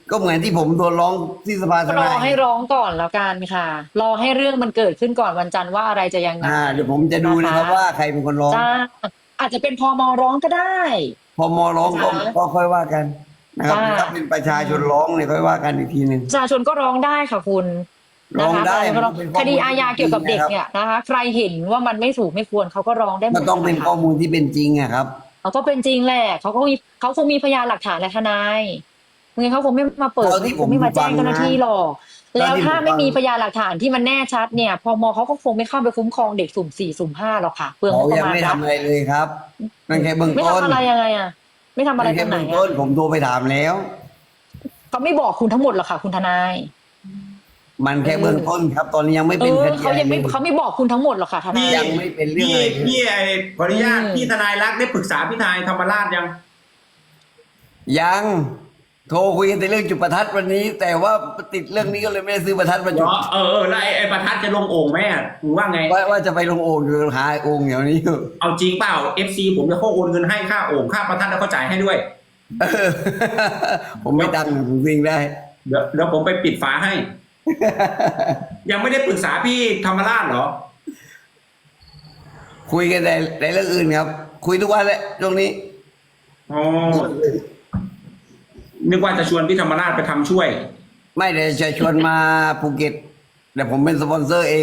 Speaker 3: ก็เหมือนที่ผมโดนร้องที่สภาท
Speaker 2: ร
Speaker 3: นา
Speaker 2: อย ให้ร้องก่อนแล้วกันค่ะ รอให้เรื่องมันเกิดขึ้นก่อนวันจันทร์ว่าอะไรจะยังไง
Speaker 3: เดี๋ยวผมจะดูนะครับว่าใครเป็นคนร้อง
Speaker 2: จ้าอาจจะเป็นพมร้องก็ได้
Speaker 3: พอมอร้องก็ค่อยว่ากันนะครับ
Speaker 2: จ้า
Speaker 3: ถ้าเป็นประชาชนร้องเนี่ยค่อยว่ากันอีกทีหนึ่ง
Speaker 2: ประชาชนก็ร้องได้ค่ะคุณ
Speaker 3: ร้องได้
Speaker 2: นะคะ
Speaker 3: มันเป็นข้อมูล
Speaker 2: คดีอาญาเกี่ยวกับเด็กเนี่ยนะคะ ใครเห็นว่ามันไม่ถูกไม่ควรเขาก็ร้องได้หม
Speaker 3: มัน
Speaker 2: ด
Speaker 3: ต้องเป็น
Speaker 2: นะคะ
Speaker 3: ข้อมูลที่เป็นจริงอะครับ
Speaker 2: เขาก็เป็นจริงแหละเขาคงมีพยานหลักฐานและทนายงั้นเขาคงไม่มาเปิด
Speaker 3: เท่าที่ผม
Speaker 2: คงไม่มาแจ้งเจ้าหน้าที่หรอก
Speaker 3: เท่า
Speaker 2: แล้ว
Speaker 3: ที่
Speaker 2: ถ้า
Speaker 3: ผมฟัง
Speaker 2: ไม่มีพยานหลักฐานที่มันแน่ชัดเนี่ยพมเขาก็คงไม่เข้าไปคุ้มครองเด็กสุ่ม4สุ่ม5หรอกค่ะเปลืองง
Speaker 3: เขา
Speaker 2: บประ
Speaker 3: ยัง
Speaker 2: มาณ
Speaker 3: ไม่
Speaker 2: นะ
Speaker 3: ทำอะไรเลยครับนั่นแค่เบื้อง
Speaker 2: ไม่
Speaker 3: ต้น
Speaker 2: ทำอะไรยังไงอ่ะไม่ทำอะไร
Speaker 3: นั่น
Speaker 2: ตร
Speaker 3: แค่
Speaker 2: งไหน
Speaker 3: เบื้องต้
Speaker 2: อ่ะ
Speaker 3: นผมโทรไปถามแล้ว
Speaker 2: เขาไม่บอกคุณทั้งหมดหรอกค่ะ คุณทนาย
Speaker 3: มันแค่เบื้องต้นครับ ตอนนี้ยังไม่เป็นคดี
Speaker 2: เขายังไม่
Speaker 3: อะไรเลย
Speaker 2: เขาไม่บอกคุณทั้งหมดหรอกค่ะทนาย
Speaker 3: ยังไม่เป็นเรื่องอะไรเลย
Speaker 1: พี่ขออนุญาต
Speaker 2: อืม
Speaker 1: พี่ทนายรักได้ปรึกษาพี่ทนายธรรมราชยัง
Speaker 3: ยังโทรคุยกันในเรื่องจุดประทัดวันนี้ แต่ว่าติดเรื่องนี้ก็เลยไม่ได้ซื้อประทัดมาจุด
Speaker 1: แล้วแล้วไอ้ประทัดจะลงโอ่งไหมอ่ะมึงว่าไง
Speaker 3: ว่าจะไปลงโอ่งอยู่หาโอ่งเดี๋ยวนี้อยู่
Speaker 1: เอาจริงเปล่า FC ผมจะโอนเงินให้ค่าโอ่งค่าประทัดแล้วก็จ่ายให้ด้วย
Speaker 3: เออผมไม่ดังผมวิ่งได้
Speaker 1: เดี๋ยวผมไปปิดฝาให้ ยังไม่ได้ปรึกษาพี่ธรรมราชเหรอ
Speaker 3: คุยกันในเรื่องอื่นครับ คุยทุกวันแหละตรงนี้
Speaker 1: อ๋อ นึกว่าจะชวนพี่ธรรมราชไปทำช่วย
Speaker 3: ไม่เดี๋ยวจะชวนมาภูเก็ตแต่ผมเป็นสปอนเซอร์เอง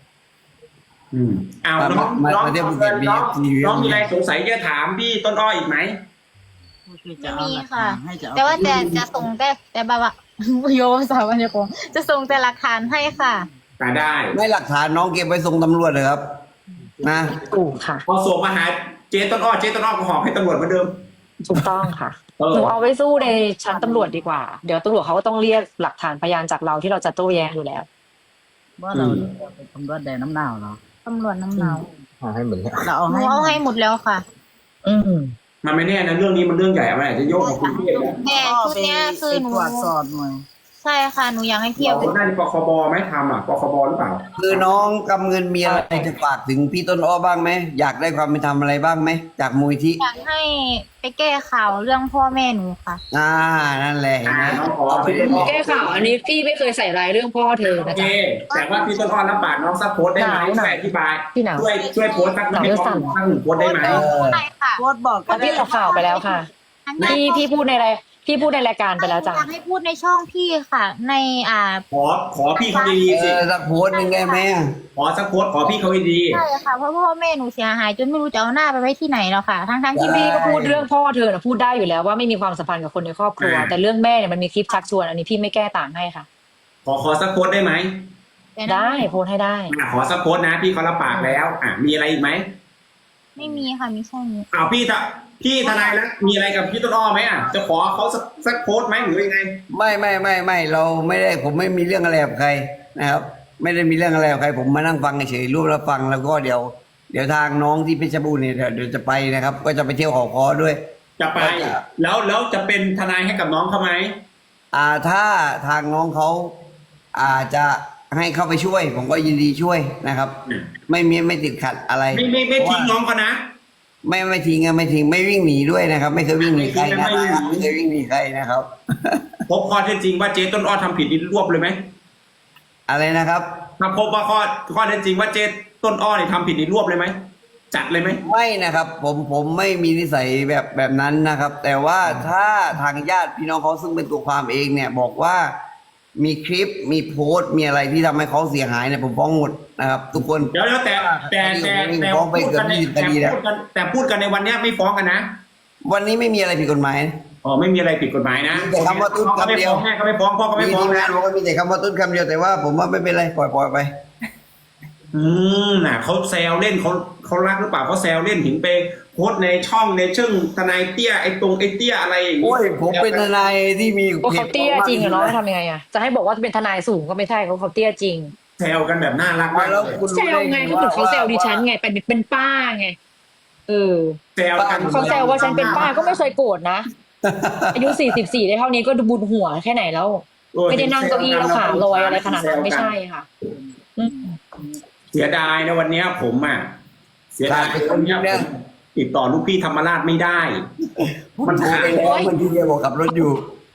Speaker 1: อ้าวน้อง
Speaker 3: มา
Speaker 1: น้อง
Speaker 3: มาเที่ยวภูเก็ต
Speaker 1: น้อง
Speaker 3: มี
Speaker 1: น้องมีอะไรสงสัยจะถามพี่ต้นอ้ออีกไหม
Speaker 5: ไม่มีค่ะ
Speaker 4: ให้จะเอ
Speaker 5: แต่ว่าจะส่งแต่แบบว่า โยสาวันยกงจะส่งแต่หลักฐานให้ค่ะ
Speaker 1: แต่ได้
Speaker 3: ไม่หลักฐานน้องเก็บไว้ส่งตำรวจเลยครับ นะ
Speaker 2: ถูกค่ะ
Speaker 1: พอส่งมาหาเจ๊ต้นอ้อเจ๊ต้นอ้อก็หอบให้ตำรวจเหมือนเดิม
Speaker 2: ถูกต้องค่ะ
Speaker 1: เออ
Speaker 2: หนูเอาไว้สู้ในชั้นตำรวจดีกว่า เดี๋ยวตำรวจเขาก็ต้องเรียกหลักฐานพยานจากเราที่เราจะโต้แย้งอยู่แล้ว
Speaker 4: ว่าเราเป็นตำรวจแดนน้ำหนาวเหรอ
Speaker 5: ตำรวจน้ำหนาว
Speaker 7: ให้เหมือนเนี่ย
Speaker 4: เราเอา
Speaker 5: หนู
Speaker 4: ให้
Speaker 5: เอาให้หมดแล้วค่ะ
Speaker 2: อืม
Speaker 1: มันไม่แน่นะเรื่องนี้มันเรื่องใหญ่มันอาจจะโยกกับคุณเทพนะ
Speaker 5: แต่ชุดเนี้ยคือหนู
Speaker 4: ตรวจสอบหน่อย
Speaker 5: ใช่ค่ะหนูอยากให้เทียบ
Speaker 1: เราได้ปคบไหมทำอ่ะปคบหรือเปล่า
Speaker 3: คือน้องกำเงินมีอะไรจะฝากถึงพี่ต้นอ้อบ้างไหมอยากได้ความเป็นธรรมอะไรบ้างไหมจากมูลที่
Speaker 5: อยากให้ไปแก้ข่าวเรื่องพ่อแม่หนูค่ะ
Speaker 3: นั่นแหละเห็นไหม
Speaker 1: น้องขอพี่ต้นอ้อ
Speaker 2: แก้ข่าวอันนี้พี่ไม่เคยใส่ร้ายเรื่องพ่อเธอ
Speaker 1: โอ
Speaker 2: นะ
Speaker 1: เค
Speaker 2: จ๊ะ
Speaker 1: แต่ว่าพี่ต้นอ้อรับปากน้องสักโพสต์ได้ไหม
Speaker 2: หนาว
Speaker 1: ช่วยอธิบาย
Speaker 2: พี่หนาว
Speaker 1: ช่วยโพสต์สัก
Speaker 2: หนาว
Speaker 1: ให้
Speaker 2: เรื่อง
Speaker 1: น้
Speaker 2: สั่
Speaker 1: อน งสักหนึ่งโพสต์ได้ไหม
Speaker 5: ใช่ค่ะ
Speaker 4: โคตรบอกก็ได้
Speaker 2: พี่ออกข่าวไปแล้วค่ะ พี่พูดในรายการไปแล้วจ้ะ
Speaker 5: อยากให้พูดในช่องพี่ค่ะ ใน
Speaker 1: ขอพี่เขาดีๆสิ
Speaker 3: สักโพสต์หนึ่งได้ไหม
Speaker 1: ขอสักโพสต์ขอพี่เขาดี
Speaker 5: ใช่ค่ะเพราะพ่อแม่หนูเสียหายจนไม่รู้จะเอาหน้าไปไว้ที่ไหนแล้วค่ะ ทั้งที่
Speaker 2: พี่
Speaker 5: พี่
Speaker 2: ก็
Speaker 5: ก็
Speaker 2: พู
Speaker 5: พู
Speaker 2: ด
Speaker 5: ด
Speaker 2: เรื่องพ่อเธอนะพูดได้อยู่แล้วว่าไม่มีความสัมพันธ์กับคนในครอบครัว แต่เรื่องแม่เนี่ยมันมีคลิปชักชวนอันนี้พี่ไม่แก้ต่างให้ค่ะ
Speaker 1: ขอสักโพสต์ได้ไหม
Speaker 2: ได้โพสต์ให้ได้
Speaker 1: ขอสักโพสต์นะพี่เขารับปากแล้วมีอะไรอีกไหม
Speaker 5: ไม่มีค่ะมีแค่นี้
Speaker 1: พี่ทนายแล้วมีอะไรกับพี่ต้นอ้อไหมจะขอเขาสักโพสต์ไหมหรือยังไง
Speaker 3: ไม่เราไม่ได้ผมไม่มีเรื่องอะไรกับใครนะครับ ไม่ได้มีเรื่องอะไรกับใคร ผมมานั่งฟังเฉยๆรูปแล้วฟังแล้วก็เดี๋ยวทางน้องที่เพชรบูรณ์เนี่ยเดี๋ยวจะไปนะครับ ก็จะไปเที่ยวหอคอด้วย
Speaker 1: จะไปแล้วจะเป็นทนายให้กับน้องเขาไหม
Speaker 3: ถ้าทางน้องเขาจะให้เข้าไปช่วย ผมก็ยินดีช่วยนะครับ ไม่ติดขัดอะไร
Speaker 1: ไม่ทิ้งน้องเขานะ
Speaker 3: ไม่ทิ้งไม่ทิ้งไม่วิ่งหนีด้วยนะครับ ไม่เคยวิ่งหนีใครนะ
Speaker 1: ไม่วิ่งหนี
Speaker 3: ไม่เคยวิ่งหนีใครนะครับ
Speaker 1: พบข้อเท็จจริงว่าเจ๊ต้นอ้อทำผิดนี่รวบเลยไหม
Speaker 3: อะไรนะครับ
Speaker 1: ถ้าพบว่าข้อเท็จจริงว่าเจ๊ต้นอ้อนี่ทำผิดนี่รวบเลยไหมจัดเลยไหม
Speaker 3: ไม่นะครับ ผมไม่มีนิสัยแบบนั้นนะครับ แต่ว่าถ้าทางญาติพี่น้องเขาซึ่งเป็นตัวความเองเนี่ย บอกว่ามีคลิปมีโพสต์มีอะไรที่ทำให้เขาเสียหายเนี่ยผมฟ้องหมดนะครับ ทุกคน
Speaker 1: เดี๋ยวแต่
Speaker 3: ฟ้องไปเกือบ20 คดีแล้ว
Speaker 1: แต่พูดกันในวันเนี้ยไม่ฟ้องกันนะ
Speaker 3: วันนี้ไม่มีอะไรผิดกฎหมาย
Speaker 1: อ๋อไม่มีอะไรผิดกฎหมายนะ
Speaker 3: มีแต่คำว่าตุ๊ดคำเดียว
Speaker 1: แม่ก็ไม่ฟ้องพ่อก็ไม่
Speaker 3: มี
Speaker 1: ฟ้อง
Speaker 3: ทีม
Speaker 1: นะ
Speaker 3: งานบอกว่ามีแต่คำว่าตุ้นคำเดียวแต่ว่าผมว่าไม่เป็นไรปล่อยไป
Speaker 1: น่ะเขาแซวเล่นเขารักหรือเปล่าเขาแซวเล่นถึงไปโพสต์ในช่องในเชิงทนายเตี้ยไอ้เตี้ยอะไรอย่างงี้
Speaker 3: โอ้ยผมเป็นทนายที่มี
Speaker 2: ว่าเขาเตี้ยจริงเหรอเนาะทำยังไงอะจะให้บอกว่าเป็นทนายสูงก็ไม่ใช่เขาเตี้ยจริง
Speaker 1: แซวกันแบบน่ารักมาก
Speaker 3: แล้ว
Speaker 1: เลย
Speaker 3: คุณ
Speaker 2: แซวไงเขาถึงเขาแซวดิฉันไงเป็นป้าไง
Speaker 1: แซวกัน
Speaker 2: เขาแซวว่าฉันเป็นป้าก็ไม่เคยโกรธนะ อายุ44ได้เท่านี้ก็บุญหัวแค่ไหนแล้ว ไม่ได้นั่งเก้าอี้แล้วขาลอยอะไรขนาดนั้นไม่ใช่ค่ะ
Speaker 1: เสียดายนะวันเนี้ยผมเสียดายวันเนี้ยผมติดต่อลูกพี่ธรรมราชไม่ได้
Speaker 3: มันโทรไปแล้วมันที่เดียวบอกขับรถอยู่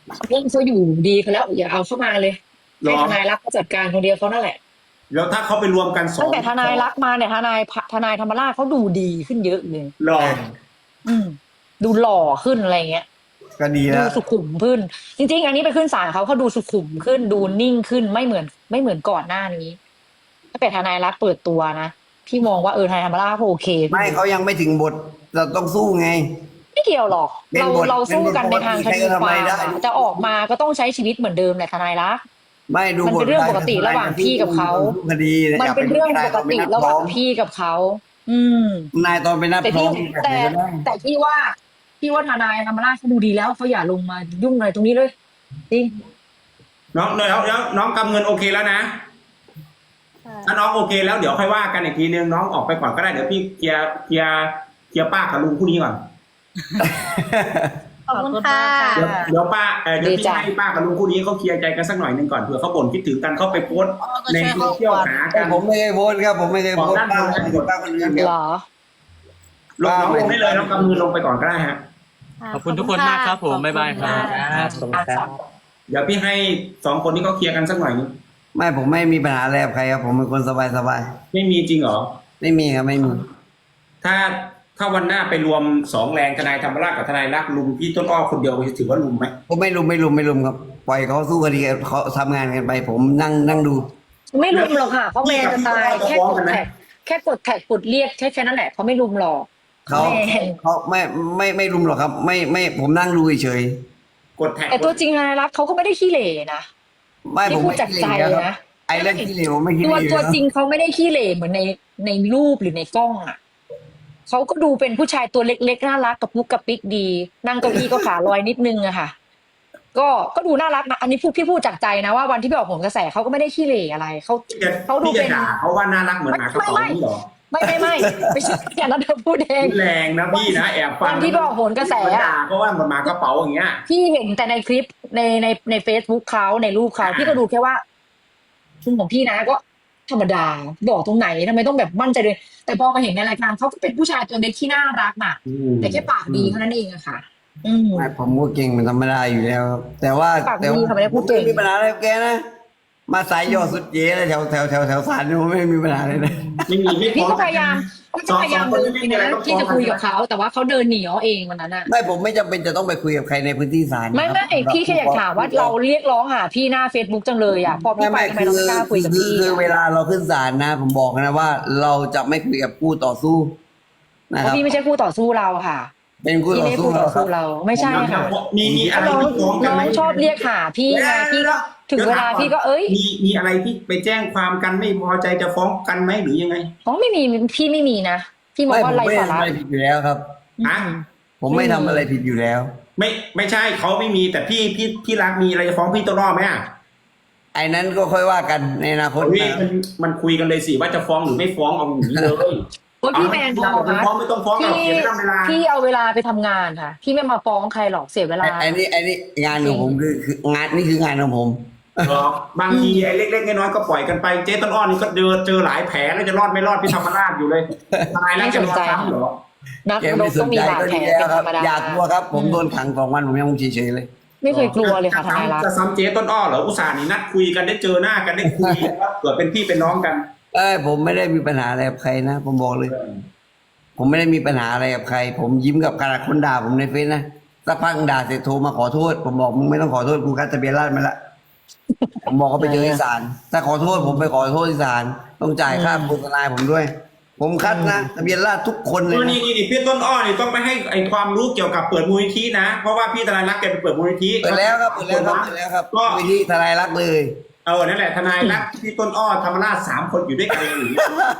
Speaker 2: เรื่องเขาอยู่ดีเขาแล้วอย่าเอาเข้ามาเลย
Speaker 1: หรอ
Speaker 2: ให้ทนายรักเขาจัดการคนเดียวเขานั่นแหละ
Speaker 1: แล้วถ้าเขาไปรวมกันสอง
Speaker 2: ตั้งแต่ทนายรักมาเนี่ยทนายธรรมราชเขาดูดีขึ้นเยอะเลย
Speaker 1: หรอ
Speaker 2: อืม ดูหล่อขึ้นอะไรเงี้ย
Speaker 3: ก็ดี
Speaker 2: ดู
Speaker 3: แล้ว
Speaker 2: สุขุมขึ้น จริงๆ อันนี้ไปขึ้นศาลเขาดูสุขุมขึ้น ดูนิ่งขึ้นไม่เหมือนก่อนหน้านี้ตั้งแต่ทนายรักเปิดตัวนะพี่มองว่าทนายธรรมราชเขาโอเคขึ้น
Speaker 3: ไม่เขายังไม่ถึงบทเราต้องสู้ไง
Speaker 2: ไม่เกี่ยวหรอก
Speaker 3: เป็น
Speaker 2: เรา
Speaker 3: บท
Speaker 2: เราสู้กันในทางคดี
Speaker 3: เป็นบทปกติใครก็ทำ
Speaker 2: ค
Speaker 3: อะไร
Speaker 2: วาม
Speaker 3: ได้
Speaker 2: อะจะออกมาก็ต้องใช้ชีวิตเหมือนเดิมแหละทนายรัก
Speaker 3: ไม่ดู
Speaker 2: มันเป็นเรื่องปกติระหว่างพี่กับเขา
Speaker 3: คดี
Speaker 2: มันเป็นเรื่องปกติระหว่างพี่กับเขา อืม
Speaker 3: นายตอนไปนับ
Speaker 2: แต่
Speaker 3: พร้
Speaker 2: พี่
Speaker 3: อม
Speaker 2: แต่พี่ว่าทนายธรรมราชเขาดูดีแล้วเขาอย่าลงมายุ่งอะไรตรงนี้เลยจริง
Speaker 1: น้องแล้วน้องกำเงินโอเคแล้วนะ ถ้าน้องโอเคแล้วเดี๋ยวค่อยว่ากันอีกทีนึงน้องออกไปก่อนก็ได้เดี๋ยวพี่เคลียร์ป้ากับลุงคู่นี้ก่อน
Speaker 5: ขอบคุณค่ะ
Speaker 1: เดี๋ยวป้าเดี๋ยวพี่ให้ป้ากับลุงคู่นี้เขาเคลียร์ใจกันสักหน่อยนึงก่อนเผื่อเขาบ่นคิดถึงกันเขาไปโพสต์ในโซเชียลหา
Speaker 3: แต่
Speaker 1: กัน
Speaker 3: ผมไม่เคยโพสต์ครับผมไม่เคยโพสต์ป้าป้าคนอื่น
Speaker 2: เหรอ
Speaker 1: ลงน้องลงได้เลยน้องกำเงินลงไปก่อนก็ได้ฮะ
Speaker 7: ขอบคุณทุกคนมากครับผมบ๊ายบายครับ
Speaker 1: เดี๋ยวพี่ให้สองคนนี้เขาเคลียร์กันสักหน่อยนึง
Speaker 3: ไม่ผมไม่มีปัญหาอะไรกับใครครับผมเป็นคนสบาย
Speaker 1: ไม่มีจริงเหรอ
Speaker 3: ๆไม่มีครับไม่มี
Speaker 1: ถ้าวันหน้าไปรวมสองแรงทนายธรรมราชกับทนายรักลุมพี่ต้นอ้อคนเดียวจะถือว่าลุมไหม
Speaker 3: ผมไม่ลุมครับปล่อยเขาสู้คดีเขาทำงานกันไป ผมนั่งดู
Speaker 2: ไม่รุมหรอกค่ะเขาแมนจะตายแค่กดแท็กกดเรียกแค่นั้นแหละเขาไม่รุมหรอก
Speaker 3: เขา
Speaker 2: แมน
Speaker 3: เขาไม่รุมหรอกครับ ไม่ผมนั่งดูเฉย
Speaker 1: กดแท็ก
Speaker 2: แต่ตัวจริงทนายรักเขาก็ไม่ได้ขี้เหร่นะ
Speaker 3: ๆไม่ผม
Speaker 2: พูด
Speaker 3: ไม่
Speaker 2: จาก
Speaker 3: ขี้
Speaker 2: ใจ
Speaker 3: เหร่ครับ
Speaker 2: นะ
Speaker 3: ไอ้เรื่องขี้เหร่ผมไม่ขี้เห
Speaker 2: ตัว
Speaker 3: ร่
Speaker 2: ตัวจริงเขาไม่ได้ขี้เหร่เหมือนในรูปหรือในกล้องอ่ะเขาก็ดูเป็นผู้ชายตัวเล็กๆน่ารักกับมุกกับปิ๊กดี นั่งเก้าอี้ก็ขาลอยนิดนึงอะค่ะ ก็ดูน่ารักนะอันนี้พี่พูดจากใจนะว่าวันที่ไปออกผลกระแสเขาก็ไม่ได้ขี้เหร่อะไรเขาดู
Speaker 1: พี่
Speaker 2: เป็
Speaker 1: จะ
Speaker 2: น
Speaker 1: ด่าเขาว่าน่ารักเหมือนหมากระเป๋านี่เหรอ
Speaker 2: ไม่ใช่อย่างนั้นเธอพูดเอง
Speaker 1: แรงนะพี่นะแอบฟัง
Speaker 2: วันที่ไปออกผลกระแสอะ
Speaker 1: ด่าเพราะว่ามันหมากระเป๋าอย่างเงี้ย
Speaker 2: พี่เห็นแต่ในคลิปใน Facebook เขาในรูปเขาพี่ก็ดูแค่ว่าคุณของพี่นะก็ธรรมดาบอกตรงไหนทำไมต้องแบบมั่นใจเลยแต่พอมาเห็นในรายการเขาก็เป็นผู้ชายตัวเล็กที่น่ารักน่ะ แต่แค่ปากดีเท่านั้นเองอะค่ะ อืม
Speaker 3: ไม่ผมก็เก่งเป็นธรรมดาอยู่แล้วครับแต่ว่า
Speaker 2: ปากดีค่ะไม่ได้พูดเก่ง
Speaker 3: ไม่มีปัญหาอะไรกับแกนะมาสายยอดสุดเจ๊เลยแถวศาลนี่ผมไม่มีปัญหาเลยนะ
Speaker 1: ไม่มีไม่
Speaker 2: พี่
Speaker 1: ฟ้อง
Speaker 2: ก็พยายามเดินไปนะที่จะคุยกับเขาแต่ว่าเขาเดินหนีเอาเองวันนั้นอะ
Speaker 3: ไม่ผมไม่จำเป็นจะต้องไปคุยกับใครในพื้นที่ศาล
Speaker 2: ไม่พี่แค่อยากถามว่าเราเรียกร้องหาพี่หน้า Facebook จังเลยอะพอพี่ไปทำไมเราไม่กล้าคุยกับพี่
Speaker 3: คือเวลาเราขึ้นศาลนะ ผมบอกนะว่าเราจะไม่คุยกับผู้ต่อสู้นะ
Speaker 2: เพ
Speaker 3: ครับ
Speaker 2: ราะพี่ไม่ใช่คู่ต่อสู้เราค่ะ
Speaker 3: เป็นคู่
Speaker 2: พี่
Speaker 3: ต่อ
Speaker 2: ไม่
Speaker 3: สู้
Speaker 2: คู่ต่อ
Speaker 3: เราครั
Speaker 2: สู้
Speaker 3: บ
Speaker 2: เราไม่ใช่ค่ะ
Speaker 1: มีอะไร
Speaker 2: น้อง
Speaker 1: ที่ฟ้องกัน
Speaker 2: น้อ
Speaker 1: ไหม
Speaker 2: งชอบเรียกหาพี่ไงพี่ก็ถึงเวลาพี่ก็เอ้ย
Speaker 1: มีอะไรที่ไปแจ้งความกันไม่พอใจจะฟ้องกันไหมหรือยังไง
Speaker 2: อ๋อไม่มีพี่ไม่มีนะพี่มอง
Speaker 3: ไม่
Speaker 2: ว่า
Speaker 3: ผม
Speaker 2: ไร
Speaker 3: ไม่
Speaker 2: สา
Speaker 3: ทำ
Speaker 2: ระ
Speaker 3: อะไรผิดอยู่แล้วครับ
Speaker 1: ฮะ
Speaker 3: ผมไม่ทำอะไรผิดอยู่แล้ว
Speaker 1: ไม่ใช่เขาไม่มีแต่พี่รักมีอะไรจะฟ้องพี่ต้นอ้อไหมอ่ะ
Speaker 3: ไอ้นั้นก็ค่อยว่ากันในอนาคต
Speaker 1: เฮ้ย
Speaker 3: นะ
Speaker 1: มันคุยกันเลยสิว่าจะฟ้องหรือไม่ฟ้องเอาอย่างนี้เลย
Speaker 2: โอ้ยพี่แมนพอ
Speaker 1: ไม่
Speaker 2: ค่ะ
Speaker 1: ฟ้องไม่ต้องฟ้องหรอก
Speaker 2: พี่
Speaker 1: เสียเวลา
Speaker 2: พี่เอาเวลาไปทำงานค่ะ พี่ไม่มาฟ้องใครหรอกเสียเวลา
Speaker 3: ไอ้นี่งานของผมคืองานนี่คืองานของผม
Speaker 1: หรอกบางทีไอ้เล็กๆน้อยๆก็ปล่อยกันไปเจ๊ต้นอ้อนี่ก็เจอหลายแผลแล้วจะรอดไม่รอดพี่ธรรมราชอยู่เลยทนายแล้วจะรอดซ้ำเหรอ
Speaker 2: นัก
Speaker 3: แก
Speaker 2: ร
Speaker 3: ไม่
Speaker 2: บ
Speaker 3: ส
Speaker 2: ต้อน งมี
Speaker 3: ใจ
Speaker 2: บาด
Speaker 3: ก็
Speaker 2: แผล
Speaker 3: ดีแล้ว
Speaker 2: เป็น
Speaker 3: ค
Speaker 2: ธ
Speaker 3: รั
Speaker 2: ร
Speaker 3: บ
Speaker 2: รมดา
Speaker 3: อยากกลัวครับ ผมโดนขัง2 วันผมยังเฉยๆเลย
Speaker 2: ไม่เคยกลัวเลยค่ะทนายรัก
Speaker 1: จะซ้ำเจ๊ต้นอ้อเหรออุตส่าห์นี่นัดคุยกันได้เจอหน้ากันได้คุยแล้วเกิดเป็นพี่เป็นน้องกัน
Speaker 3: ผมไม่ได้มีปัญหาอะไรกับใครนะ ผมบอกเลย ผมไม่ได้มีปัญหาอะไรกับใคร ผมยิ้มกับขนาดคนด่าผมในเฟซนะสักพักด่าเสร็จโทรมาขอโทษ ผมบอกมึงไม่ต้องขอโทษกูคัดทะเบียนราษฎร์มาละผมบอกเขาไปเจอที่ศาลถ้าขอโทษผมไปขอโทษที่ศาลต้องจ่ายค่าโฆษณาผมด้วย ผมคัดนะทะเบียนราษฎร์ทุกคนเลยนะ
Speaker 1: นี่พี่ต้นอ้อนี่ต้องไปให้ไอความรู้เกี่ยวกับเปิดมูลนิธินะ เพราะว่าพี่ทนายรักแกไปเปิดมูลนิธิ
Speaker 3: เปิดแล้วครับเปิดแล้วครับ
Speaker 1: ก็
Speaker 3: วิธีทนายรักเลย
Speaker 1: นั่นแหละทนายรักพี่ต้นอ้อธรรมราช3 คนอยู่ด้วยกันหรือ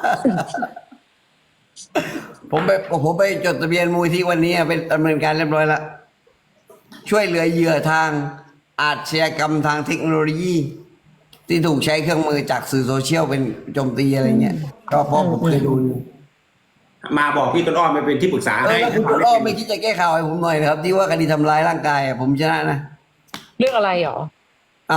Speaker 3: ผมไปจดทะเบียนมูลที่วันนี้เป็นดำเนินการเรียบร้อยแล้วช่วยเหลือเหยื่อทางอาชญากรรมทางเทคโนโลยี ที่ถูกใช้เครื่องมือจากสื่อโซเชียลเป็นโจมตีอะไรเงี้ยก็เพราะผมเคยดูอยู่
Speaker 1: มาบอกพี่ต้นอ้อไปเป็นที่ปรึกษาให้
Speaker 3: แล้วคุณต้นอ้อไม่คิดจะแก้ข่าวให้ผมหน่อยนะครับ ที่ว่าคดีทำร้ายร่างกายผมชนะนะ
Speaker 2: เรื่องอะไรหรอ
Speaker 3: เอา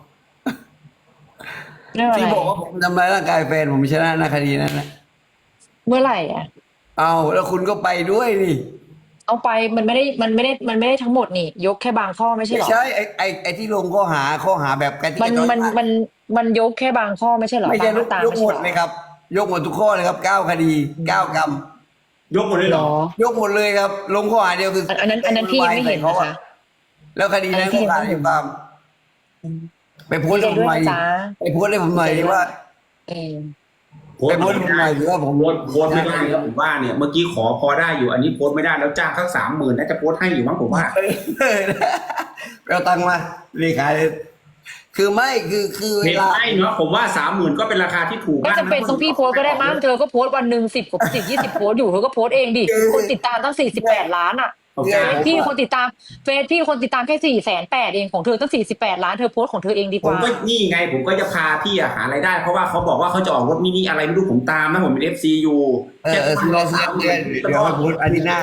Speaker 2: เรื่องอะไร
Speaker 3: ที่บอกว่าผมทำร้ายร่างกายแฟนผมชนะนะคดีนั้นนะ
Speaker 2: เมื่อไหร่อ่ะ
Speaker 3: เอาแล้วคุณก็ไปด้วยนี่
Speaker 2: เอาไปมันไม่ได้ทั้งหมดนี่ ยกแค่บางข้อไม่ใช่
Speaker 3: ไม่
Speaker 2: เหรอ
Speaker 3: ใช่ไอ้ที่ลงข้อหาแบบการที่
Speaker 2: มันยกแค่บางข้อไม่ใช่เหรอ
Speaker 3: ไม่ใช่
Speaker 2: บางมาตราย
Speaker 3: กหมดเลยครับ ยกหมดทุกข้อเลยครับ9 คดี9 กรรม
Speaker 1: ยกหมดเลย
Speaker 2: เห
Speaker 1: เห
Speaker 2: ร
Speaker 1: รอ
Speaker 2: อ
Speaker 3: ยกหมดเลยครับ ลงข้อหาเดียวคือ
Speaker 2: อันนั้นพี่ยังไม่เห็นนะคะ
Speaker 3: แล้วคดีนั้นก็ขาดอยู่ความไปโพสต์
Speaker 2: ดี
Speaker 3: ให้
Speaker 2: ใจ
Speaker 3: ผม
Speaker 2: ด้วย
Speaker 3: หน่อย
Speaker 2: นะจ๊ะ
Speaker 3: ไปโพสต์ให้ผมหน่อยดิว่า
Speaker 2: เออ
Speaker 3: ไปโพสต์ให้ผมหน่อยดิว่าผม
Speaker 1: โพสต์ไม่ได้ครับผมว่าเนี่ยเมื่อกี้ขอพอได้อยู่อันนี้โพสต์ไม่ได้แล้วจ้างสัก30,000น่าจะโพสต์ให้อยู่มั้งผมว่า
Speaker 3: ไปเอาตังค์มาเลขาเลยคือไม่คือเว
Speaker 1: เห็น
Speaker 3: ลา
Speaker 1: ไหมเนาะผมว่า30,000ก็เป็นราคาที่ถูก
Speaker 2: ไม่
Speaker 1: มาก
Speaker 2: จำเป็นต้องพี่โพสต์ก็ได้มั้งเธอก็โพสต์วันหนึ่ง10 20 โพสต์อยู่เธอก็โพสต์เองดิคนติดตามตั้ง48 ล้านอ่ะ
Speaker 1: โอเค
Speaker 2: พี่คนติดตามเฟซพี่คนติดตามแค่480,000เองของเธอตั้ง48 ล้านเธอโพสต์ของเธอเองดีก
Speaker 1: ผม
Speaker 2: ว่า
Speaker 1: ก็นี่ไงผมก็จะพาพี่หารายได้ เพราะว่าเขาบอกว่าเขาจะออกรถมินิอะไรไม่รู้ผมตามนะผมเป็น FC อยู่
Speaker 3: ซื้อเดี๋ยวไปโพสต์อาทิตย์หน้า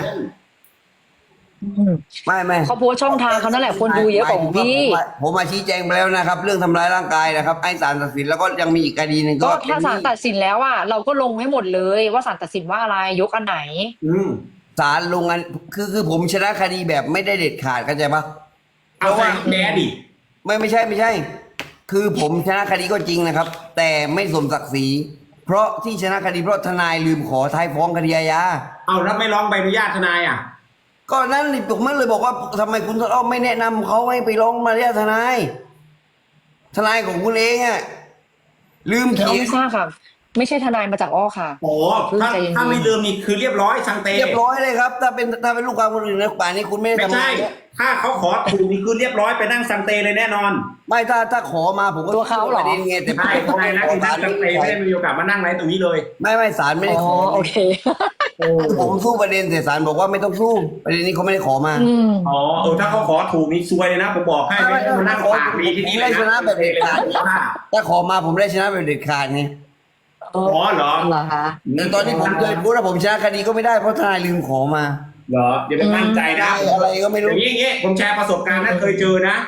Speaker 3: ไม่
Speaker 2: เขาโพสต์ช่องทางเขานั่นแหละคนดูเยอะกว่าของพี่
Speaker 3: ผมมาชี้แจงไปแล้วนะครับ เรื่องทำร้ายร่างกายนะครับให้ศาลตัดสินแล้วก็ยังมีอีกคดีหนึ่ง
Speaker 2: ก็
Speaker 3: ก็
Speaker 2: ถ้าศาลตัดสินแล้วอ่ะเราก็ลงให้หมดเลยว่าศาลตัดสินว่าอะไรยกอันไหน
Speaker 3: ศาลลงอันคือผมชนะคดีแบบไม่ได้เด็ดขาดเข้าใจปะ
Speaker 1: เอาไปแดดดิ
Speaker 3: ไม่ใช่ คือผมชนะคดีก็จริงนะครับ แต่ไม่สมศักดิ์ศรีเพราะที่ชนะคดีเพราะทนายลืมขอท้ายฟ้องคดีอาญา
Speaker 1: เอาแล้วไม่ร้องใบอนุญาตทนายอ่ะ
Speaker 3: ก็นั่นนี่ผมไม่เลยบอกว่าทำไมคุณต้นอ้อไม่แนะนำเขาให้ไปร้องมาเรียกทนายของคุณเองอะลืม
Speaker 2: เอา
Speaker 3: เขียน
Speaker 2: ไม่ทราบค่ะ ไม่ใช่ทนายมาจากอ้อค่ะ
Speaker 1: โอ้ถ้าไม่ลืมนี่คือเรียบร้อยสังเต
Speaker 3: เรียบร้อยเลยครับ ถ้าเป็นลูกความคนอื่นนะป่านนี้คุณไม่ได้
Speaker 1: ไม่
Speaker 3: ทำงา
Speaker 1: ใช่
Speaker 3: นเนี่ย
Speaker 1: ถ้าเขาขอถูกนี่คือเรียบร้อยไปนั่งสังเตเลยแน่นอน
Speaker 3: ไม่ถ้าขอมาผมก็
Speaker 2: ตัวเขาเหรอ
Speaker 3: ประเด็นไงแต่
Speaker 1: ใช่ทนายรักนั่งสังเตไม่ได้มีโอกาสมานั่งไรตรงนี้เลย
Speaker 3: ไม่ศาลไม่ได้
Speaker 2: อ๋อ
Speaker 3: ขอ
Speaker 2: โอเค
Speaker 3: ผมสู้ประเด็นแต่ศาลบอกว่าไม่ต้องสู้ประเด็นนี้เขาไม่ได้ขอมา
Speaker 2: อืม
Speaker 1: อ๋อถ้าเขาขอถูกนี่ซวยเลยนะ ผมบอกให้ไม่ได้มานั่งปากดีที่นี่เลย
Speaker 3: ไม่ชนะแบบเด็ดขาด ถ้าขอมาผมได้ชนะแบบเด็ดขาดไง
Speaker 1: อ๋อเหรอ
Speaker 2: เหรอคะ
Speaker 3: แต่ตอนนี้ผมเคยพูดว่าผมชนะคดีก็ไม่ได้เพราะทนายลืมขอมา
Speaker 1: เหรอเดี๋ยวไปมั่นใจนะ
Speaker 3: อะไรก็ไม่รู้
Speaker 1: อย่างนี้ผมแชร์ประสบการณ์นะเคยเจอนะ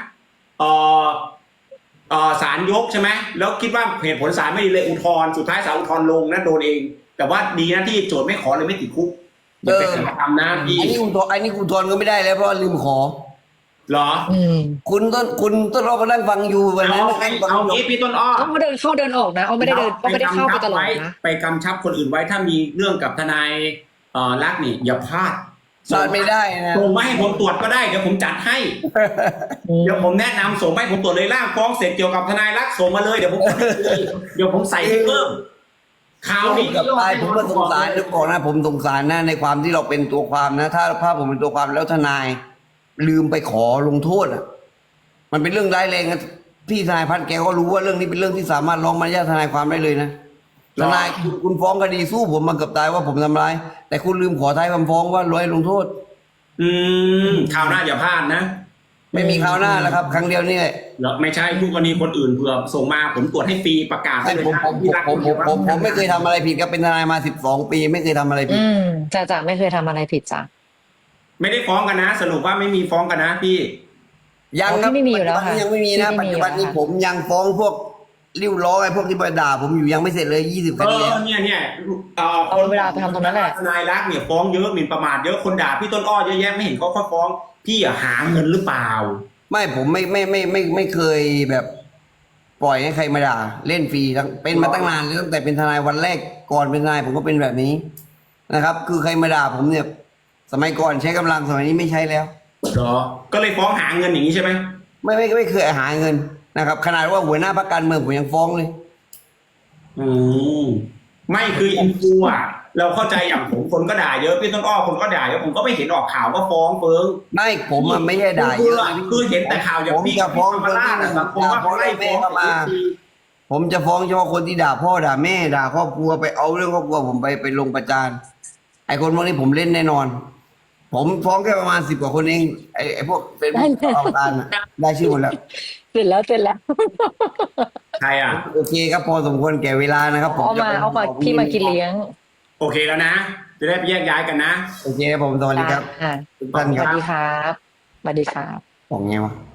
Speaker 1: ศาลยกใช่ไหมแล้วคิดว่าเหตุผลศาลไม่ดีเลยอุทธรณ์สุดท้ายศาลอุทธรณ์ลงนะโดนเอง แต่ว่าดีนะที่โจทย์ไม่ขอเลยไม่ติดคุกอย่าไปทำนะพี่
Speaker 3: อันนี้อุทธรณ์ก็ไม่ได้แล้วเพราะลืมขอ
Speaker 1: เหรอ
Speaker 2: อืม
Speaker 3: คุณต้นรอก็นั่งฟังอยู่วันนั้น
Speaker 1: เอางี้พี่ต้นอ้อ
Speaker 2: เขาเดินเข้าเดินออกนะเขาไม่ได้เดินเขาไม่ได้เข้าไปตลอดนะ
Speaker 1: ไปกำชับคนอื่นไว้ถ้ามีเรื่องกับทนายรักนี่อย่าพลาด
Speaker 3: พลาดไม่ได้นะ
Speaker 1: ส่งมาให้ผมตรวจก็ได้เดี๋ยวผมจัดให้ เดี๋ยวผมแนะนำส่งมาให้ผมตรวจเลยร่างฟ้องเสร็จเกี่ยวกับทนายรักส่งมาเลยเดี๋ยวผมจัดให้เลยเดี๋ยวผมใส่ให้เพิ่มข่าวนี้
Speaker 3: กับตายผมก็สงสารทุกคนนะผมสงสารนะในความที่เราเป็นตัวความนะ ถ้าผมเป็นตัวความแล้วทนาย ลืมไปขอลงโทษอ่ะมันเป็นเรื่องร้ายแรงนะพี่ทนายพัฒน์แกก็รู้ว่าเรื่องนี้เป็นเรื่องที่สามารถร้องมารยาททนายความได้เลยนะทนายคุณฟ้องคดีสู้ผมมาเกือบตายว่าผมทำร้ายแต่คุณลืมขอท้ายคำฟ้องว่าร้อยลงโทษ
Speaker 1: ข่าวหน้าอย่าพลาดนะ
Speaker 3: ไม่มีคราวหน้าแล้วครับ ครั้งเดียวนี่แหละ
Speaker 1: แล้วไม่ใช่ผู้กรณีคนอื่นเผื่อส่งมาผมตรวจให้ฟรีประกาศให้เลยนะที่รัก
Speaker 3: ผมไม่เคยทำอะไรผิดครับเป็นทนายมา12 ปีไม่เคยทำอะไรผิด
Speaker 2: อืมจ่าไม่เคยทำอะไรผิดจ้ะ
Speaker 1: ไม่ได้ฟ้องกันนะ สรุปว่าไม่มีฟ้องกันนะพี่
Speaker 3: ยังครับ
Speaker 2: ที่ไม่มีอยู่แล้วค่ะ
Speaker 3: ยังไม่มีนะ
Speaker 2: ที่
Speaker 3: ปั
Speaker 2: ไม่
Speaker 3: จ
Speaker 2: มี
Speaker 3: จุบันนี้
Speaker 2: อยู่แล้ว
Speaker 3: ผมยังฟ้องพวกริ้วล้อไอ้พวกที่มาด่าผมอยู่ยังไม่เสร็จเลย20 คดีแล้ว
Speaker 1: เนี่ย
Speaker 2: เอาเวลาไปทำตรงนั้นแหละ
Speaker 1: ทนายรักเนี่ยฟ้องเยอะหมิ่นประมาทเยอะคนด่าพี่ต้นอ้อเยอะแยะไม่เห็นเขาฟ้องพี่อะหาเงินหรือเปล่า
Speaker 3: ไม่ผมไม่เคยแบบ ปล่อยให้ใครมาด่าเล่นฟรีเป็นมาตั้งนานเลยตั้งแต่เป็นทนายวันแรกก่อนเป็นทนายผมก็เป็นแบบนี้นะครับ คือใครมาด่าผมเนี่ย สมัยก่อนใช้กำลังสมัยนี้ไม่ใช้แล้ว
Speaker 1: เหรอ ก็เลยฟ้องหาเงินอย่างนี้ใช่ไหม
Speaker 3: ไม่เคยหาเงินนะครับ ขนาดว่าหัวหน้าพรรคการเมืองผมยังฟ้องเลย
Speaker 1: ไม่คืออินฟูอ่ะ เราเข้าใจอย่างผมคนก็ด่าเยอะพี่ต้นอ้อคนก็ด่าเยอะผมก็ไม่เห็นออกข่าวว่าฟ้องเฟิง
Speaker 3: ไม่ผมอะไม่ใช่ด่าเยอะ
Speaker 1: คือเห็นแต่ข่าวอย่าง
Speaker 3: ผม
Speaker 1: พี่
Speaker 3: จะฟ้อง
Speaker 1: ธรรมราชอะสังคมว่าเขาไล่ฟ้อง
Speaker 3: มา ผมจะฟ้องเฉพาะคนที่ด่าพ่อด่าแม่ด่าครอบครัวไปเอาเรื่องครอบครัวผมไปลงประจานไอ้คนพวกนี้ผมเล่นแน่นอน ผมฟ้องแค่ประมาณ10 กว่าคนเองไอ้พวกเป็นเอาการอะได้ชื่อหมดแล้ว
Speaker 2: เสร็จแล้ว
Speaker 1: ใครอ่ะ
Speaker 3: โอเคครับพอสมควรแก่เวลานะครับผม
Speaker 2: เอามาพี่มากินเลี้ยง
Speaker 1: โอเคแล้วนะ จะได้แยกย้ายกันนะ
Speaker 3: โอเคครับผมสวัสดีครับ
Speaker 2: ค่ะ
Speaker 3: ทุกท่าน
Speaker 2: ส
Speaker 3: ครั
Speaker 2: วั
Speaker 3: บ
Speaker 2: สดีครับสวัสดีครับ
Speaker 3: ของไงวะ